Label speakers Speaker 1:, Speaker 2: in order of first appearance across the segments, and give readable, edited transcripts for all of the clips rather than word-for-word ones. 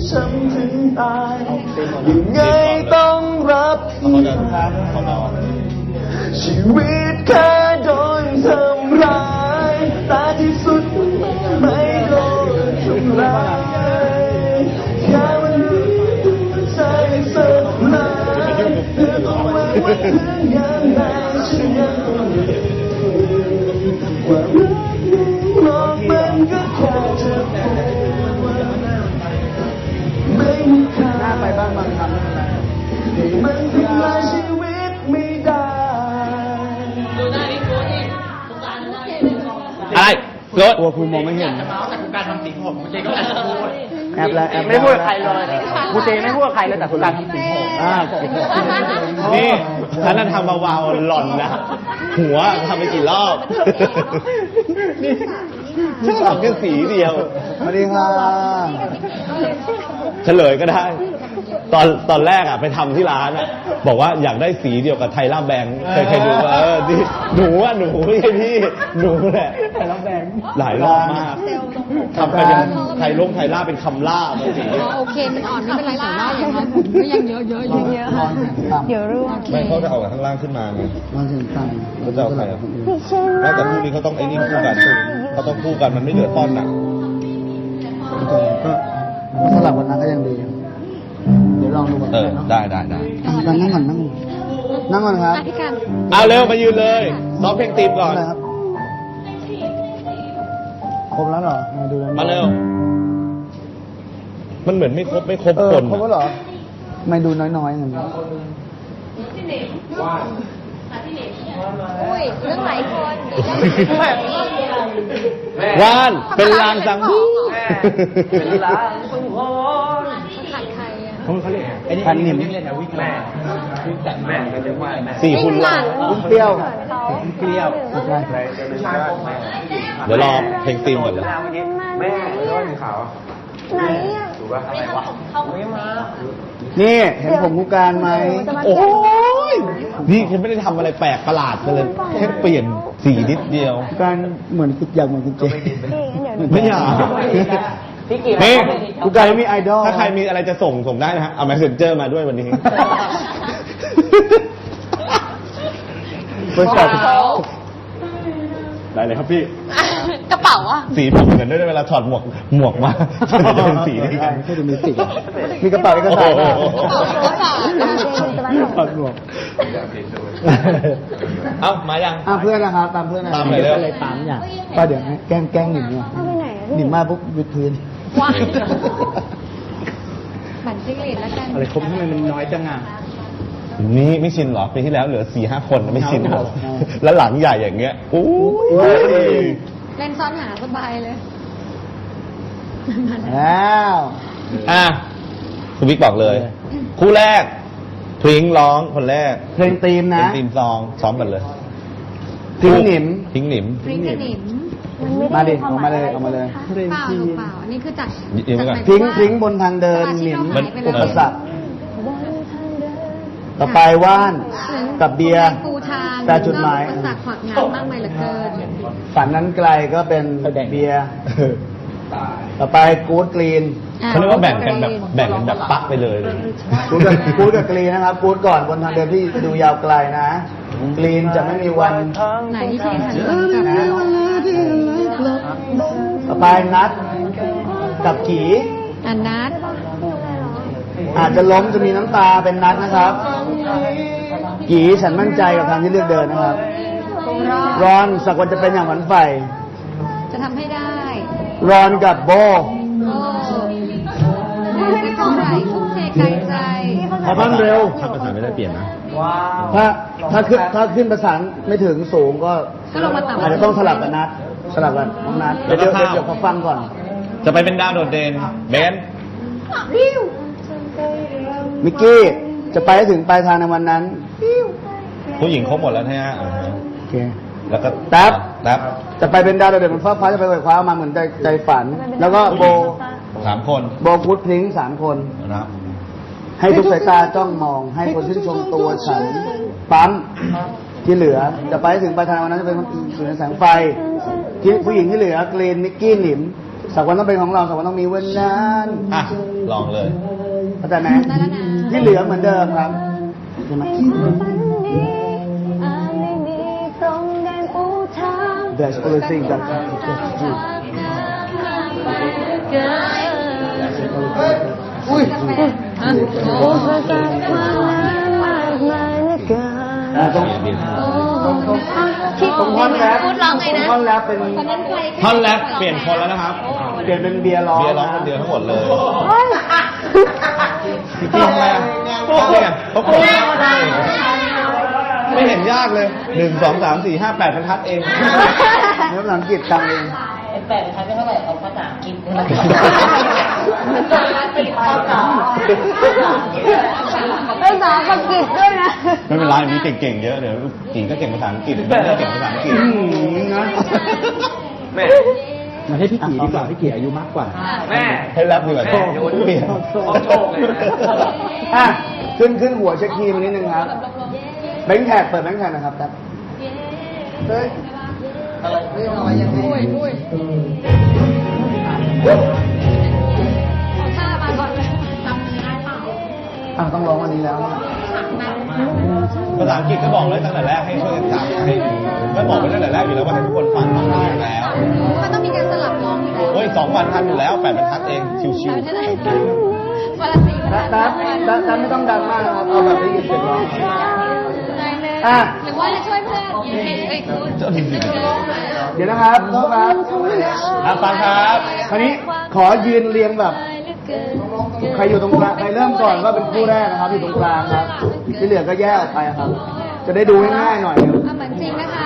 Speaker 1: ช้ำถึงตายยังไงต้องรับผิดชีวิตแค่โดนทำร้ายแต่ที่สุดไม่โดนทำร้ายแค่วันนี้ใจสลายเธอต้องมาว่าถึงยังไงฉันยังต้องอยู่ว่ารักนี้หลอกมันก็แค่เธอไม่มีค่าไปบ้างบางคำมันทำลายชีวิตไม่ได้
Speaker 2: อะไรรถ
Speaker 1: กลัวครูมองไม่เห็น
Speaker 3: แต่คุณการทำสีผมคุณเจก็แอบพูด
Speaker 1: แอบแล้วแอบ
Speaker 3: ไม่พูดกับใครเลยคุณเจไม่พูดกับใครเลยแต่คุณการทำสีผม
Speaker 2: นี่ฉันนั่นทำเบาๆหล่อนนะหัวทำไปกี่รอบนี่ฉันทำแค่สีเดียว
Speaker 1: สวัสดีค่ะ
Speaker 2: เฉลยก็ได้ ตอนแรกอ่ะไปทำที่ร้านอ่ะบอกว่าอยากได้สีเดียวกับไทยล่าแบงค์เคยดูว่านี่หนูไม่ใช่พี่หนูแหละไทยล่าแบงค์หลายรอบมากทำไปเป็นไทยล่าเป็นคำล่าบางที
Speaker 4: โอเคมันอ่อนไม่เป็นไรแต่ว่าอย่างน้อยผมก็ยังเยอะเยอะเดี๋ยวรู้
Speaker 2: ไม่เขาจะเอาข้างล่างขึ้นมาไง
Speaker 1: มันถึงตัง
Speaker 2: เขาจะเอาใครอ่ะแต่คู่นี้เขาต้องไอ้นี่คู่กันเขาต้องคู่กันมันไม่เหลือต้อนน่ะ
Speaker 1: ก็สลับวันนั้นก็ยังดีเดี๋ยวลองดูก่อน
Speaker 2: ได้
Speaker 1: นั่งก่อนครับ
Speaker 2: เอาเร็วมายืนเลยซ้อมเพลงตีมก่อน
Speaker 1: ครับครบแล้วเหรอมาดู
Speaker 2: มาเร็วมันเหมือนไม่ครบคน
Speaker 1: ครบแล้วเหรอไม่ดูน้อยๆอย่างนี้
Speaker 4: อุ้ยเรื่องหลายคน
Speaker 2: วานเป็นลางสังหู
Speaker 3: เป็นลางสังหรณ์
Speaker 4: ขาดใครอ่ะ
Speaker 3: เขาเรียกไอ้นี่พันนิ่มเรียกนะวิ่งแม่แม่ก็เรียกว่าแม่
Speaker 2: 4 คุณหลัง
Speaker 1: เปรี้ยว
Speaker 3: เปรี้ยว
Speaker 2: เดี๋ยวรอเพลงตีมก่อนเลย
Speaker 3: แม่ร้อนขาว
Speaker 4: ไหนอ่ะ
Speaker 3: ถูกป่ะอะไรวะไม่มา
Speaker 1: นี่เห็นผมผู้การไหม
Speaker 2: โอ้ยนี่ฉันไม่ได้ทำอะไรแปลกประหลาดเลยแค่เปลี่ยนสีนิดเดียว
Speaker 1: การเหมือนอยากเหมือนคุณเจ
Speaker 2: ไม่อยาก
Speaker 1: นี่กูกลายมีไอดอล
Speaker 2: ถ้าใครมีอะไรจะส่งได้นะฮะเอา Messenger มาด้วยวันนี้
Speaker 1: บริษัท
Speaker 2: ได้เลยครับพี่
Speaker 4: กระเป๋าอ่ะ
Speaker 2: สีผมเหมือนด้วยเวลาถอดหมวกมาจะเป็นสีนี้กัน
Speaker 1: ไม่ได้มีสีมีกระเป๋าเอกสารถอดหมวก
Speaker 2: เอ้ามายัง
Speaker 1: เพื่อนนะครับตามเพื่อน
Speaker 2: ตามเลย
Speaker 1: อะไรตามอย่างป้าเดี๋ยวแกล้งหนิมเนี่ยหนิมมาปุ๊บวิดพื้น
Speaker 4: ว้าหมันจิ้งหรีดแล้วกัน
Speaker 1: อะไรคมทำไมมันน้อยจังอ่ะ
Speaker 2: นี่ไม่ชินหรอปีที่แล้วเหลือ 4-5 คนไม่ชินหรอแล้วหลังใหญ่อย่างเงี้ยโอ้ย
Speaker 4: เล่นซ้อนหาสบายเลย
Speaker 1: แล้ว
Speaker 2: คุณบิ๊กบอกเลยคู่แรกพริ้งร้องคนแรก
Speaker 1: เพลงตีมนะ
Speaker 2: ตีมซองซ้อมกันเลย
Speaker 1: พริ้งหนิม
Speaker 4: พริ้งกับหนิม
Speaker 1: มาดิเอามาเลย
Speaker 4: เปล่าอันนี้คือจาก
Speaker 1: พริ้งบนทางเดินหนิมอุปสรรคต่อไปว่านกับเบียร์แต่จุดหมาย
Speaker 4: อุปสรรคขวางงานมากมายเหลือเกิน
Speaker 1: ฝันนั้นไกลก็เป็นเบียร์ต่อไปกู๊ดกรีน
Speaker 2: เขาเรียกว่าแบ่งกันแบบปักไปเลย
Speaker 1: กู๊ดกับกรีนนะครับกู๊ดก่อนบนทางเดินที่ดูยาวไกลนะกรีนจะไม่มีวัน
Speaker 4: ไหนที่เพลงหัน
Speaker 1: ต่อไปนัดกับขี
Speaker 4: นัด
Speaker 1: อาจจะล้มจะมีน้ำตาเป็นนัดนะครับกีฉันมั่นใจกับทางที่เลือกเดินนะครับรอนสักวันจะเป็นอย่างฝันใฝ่
Speaker 4: จะทำให้ได้
Speaker 1: รอนกับโบ
Speaker 4: ไม่เท่าไหร่ทุ่มเทไกลใจ
Speaker 1: บ้านเร็ว
Speaker 2: ถ้าประสานไม่ได้เปลี่ยนนะ
Speaker 1: ถ้าขึ้นประสานไม่ถึงสูงก็อาจจะต้องสลับกับนัดสลับกับน้องนัดเดี๋ยวเขาฟังก่อน
Speaker 2: จะไปเป็นดาวโดดเด่นเบน
Speaker 1: มิกกี้จะไปให้ถึงปลายทางในวันนั้น
Speaker 2: ผู้หญิงครบหมดแล้วใช่ไหม
Speaker 1: โอเค
Speaker 2: แล้วก็
Speaker 1: แท็บจะไปเป็นดาวโดดเด่นบนฟ้าจะไปคว้ามาเหมือนใจฝันแล้วก็โบ
Speaker 2: 3 คน
Speaker 1: โบกุ๊ดพริ้ง3 คน
Speaker 2: นะ
Speaker 1: ให้ทุกสายตาจ้องมองให้คนชื่นชมตัวฉันปั๊มที่เหลือจะไปถึงปลายทางวันนั้นจะเป็นคนอื่นในแสงไฟที่ผู้หญิงที่เหลือกรีนมิกกี้หนิมสักวันต้องเป็นของเราสักวันต้องมีวันนั้น
Speaker 2: อ่ะ ลองเลย
Speaker 1: เข้าใจไหมที่เหลือเหมือนเดิมครับใช่ไหม There's only thing that can just do อุ้ยต้องท่อนแรป
Speaker 4: พูดร้องไงนะ
Speaker 1: ท่อนแรปเป็น
Speaker 2: ท่อนแรปเปลี่ยนคนแล้วนะครับ
Speaker 1: เปลี่ยนเป็นเบียร์ร้อง
Speaker 2: เบียร์ร้องคนเดียวทั้งหมดเลยพี่ทำไมอ่ะเนี่ยเขาโกรธไม่เห็นยากเลย 1 2 3 4 5 8บรรทัดเอง
Speaker 1: เนื้อภาษาอังกฤษตังเอง
Speaker 5: 8 บรรทัดไม่เท่าไหร่เอาภาษาอังกฤษภาษาอังกฤษด้วยนะ
Speaker 2: ไม่เป็นไรมีเก่งๆเยอะเดี๋ยวจีนก็เก่งภาษาอังกฤษแม่ก็เก่งภาษาอังกฤษ
Speaker 1: นะ
Speaker 3: แม่มาให้พี่กี่ดีกว่าพี่กี่อายุมากกว่าแม่
Speaker 2: ให้รับดีกว่าเปลี่ยน
Speaker 3: โชคเลย
Speaker 1: อ่ะขึ้นหัวเช็คคีย์มานิดนึงครับแบงค์แท็กเปิดแบงค์แท็กนะครับครับเฮ้ย ต้องร้องวันนี้แล้ว
Speaker 2: ภาษาอังกฤษก็บอกเลยตั้งแต่แรกให้ช่วยกันจำให้ก็บอกไปตั้งแต่แรกอยู่แล้วว่าให้ทุกคนฟังอยู่แล้ว
Speaker 4: มันต้องมีการสลับร้องอยู่แล้ว
Speaker 2: เฮ้ย2 วันทันอยู่แล้ว8 บรรทัดเองชิว
Speaker 4: วันละ4
Speaker 1: ดับไม่ต้องดังมากนะครับเอาแบบได้ยินเสียงร้อง อ่ะ
Speaker 4: หรือว่าจะช่วยเพื่อนเอ้ยคุณ
Speaker 2: ๆเจ้าดี
Speaker 1: เดี๋ยวนะครับโทษครับ
Speaker 2: ฟังครับ
Speaker 1: คราวนี้ขอยืนเรียงแบบ ใครอยู่ตรงกลางใครเริ่มก่อนก็เป็นคู่แรกนะครับอยู่ตรงกลางครับที่เหลือก็แยกออกไปครับ จะได้ดูง่ายๆหน่อยครับ
Speaker 4: เหมือนจริงนะคะ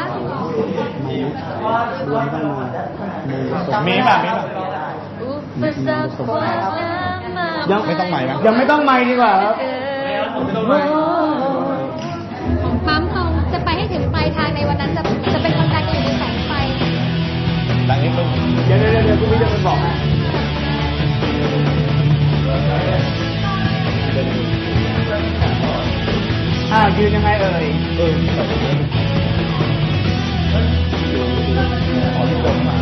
Speaker 2: มีป่ะมีป่ะ
Speaker 1: ยัง
Speaker 2: ไม่ต้องใหม่นะ
Speaker 1: ยังไม่ต้องไมค์ดีกว่าครับ
Speaker 4: ปั๊มทองจะไปให้ถึงปลายทางในวันนั้นจะเป็นคนกลางอยู่ในแสงไฟ
Speaker 2: ดังนิดนึง
Speaker 1: เดี๋ยวคุณพี่จะไปบอกนะยืนยังไงเอ่ย
Speaker 2: ขอที่ตรงมา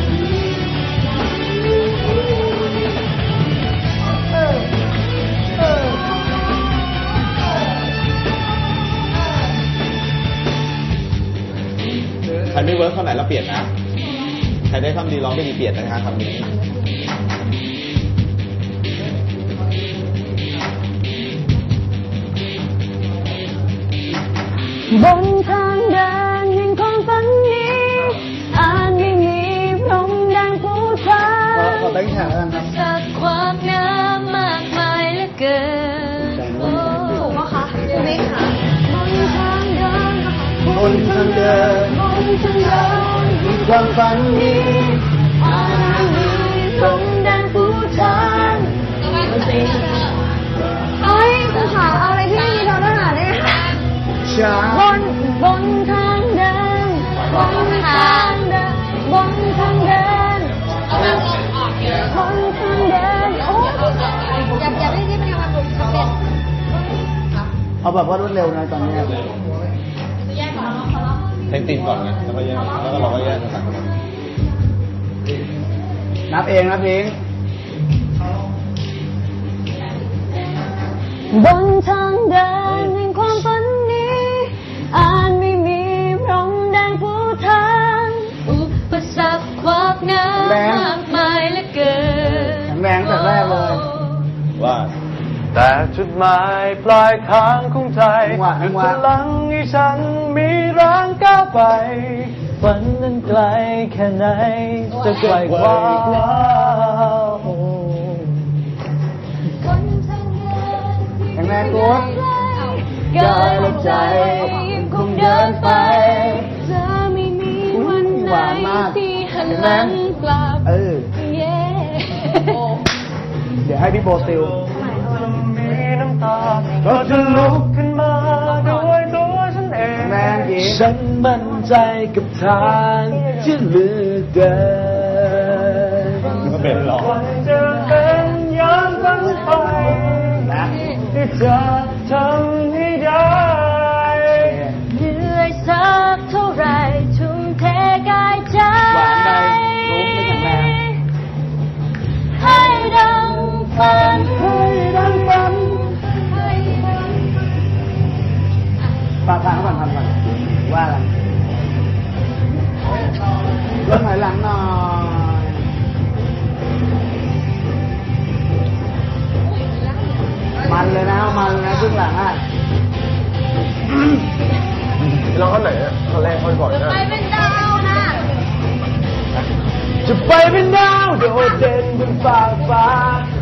Speaker 2: ใครไม่เวิร์กเท่าไหร่เราเปลี่ยนนะ ใครได้คำดีร้องไม่ดีเปลี่ยนนะคะคำนี้
Speaker 6: บนทางเดินแห่งความฝันนี้อาจไม่มีพรมแดงผู้ทาง
Speaker 1: ขอแบงค์แท็กแล้วกันครับ
Speaker 6: จากความงามมากมายเหลือเกินถูกปะคะไม่ค่ะบนทางเดิน
Speaker 1: บนทางเดิน
Speaker 6: บนทางเดิน
Speaker 1: มีความฝันนี้
Speaker 6: อาจไม่มีพรมแดงผู้ทางเอ้ยคุณขาเอาอะไรที่ไม่มีทางทหารเนี่ย
Speaker 1: ช้า
Speaker 6: บนทางเดินบนทางเดินบนทางเดินบนทางเดินโอ้
Speaker 4: อย่าไม่ได้เป็นการบุกสำเร็จ
Speaker 1: เอาแบบว่ารวดเร็วนะตอนนี้
Speaker 2: เพลงตีนก่อนไงแล้วก็แยกแล้วก็เราก็แยกภาษา
Speaker 1: นับเองนะพิง
Speaker 6: บนทางเดินแห่งความฝันนี้อาจไม่มีพรมแดงผู้ทางอุปสรรคความงามมากมายเหลือเกิน
Speaker 1: แข็งแรงแต่แรกเลย
Speaker 2: ว่า
Speaker 7: แต่จุดหมายปลายทางของใจ
Speaker 1: จังหวะ
Speaker 7: พลังให้ฉันมีแรงก้าวไปฝันนั้นไกลแค่ไหนจะไกลกว่า
Speaker 1: แข็งแรงโค้ด
Speaker 6: กายและใจคงเดินไปจะไม่มีวันไหนที่หันหลังกลับ เย้
Speaker 1: เดี๋ยวให้พี่โบติว
Speaker 7: มีน้ำตาก็จะลุกขึ้นมาด้วยตัวฉันเอง
Speaker 1: แรงหญิง
Speaker 7: ฉันมั่นใจกับทางที่เหลือเกิน
Speaker 2: ก็เป็นหรอ
Speaker 7: วันจะเป็นอย่างฝันไปที่จะทำให้ได้
Speaker 6: เหนื่อยสักเท่าไรทุ่มเทกายใจ
Speaker 1: หวานใดรู้ไม่แข็งแรง
Speaker 3: ก็ถอยหลังหน่อย มันเลยนะครึ่งหลังอ่ะ
Speaker 1: ลองท่อนไหนอ่ะท่อนแรกท่อนก่อนนะ
Speaker 6: ไปเป็นดาวนะ
Speaker 1: จะไปเป็นดาวโดดเด่นบนฟากฟ้า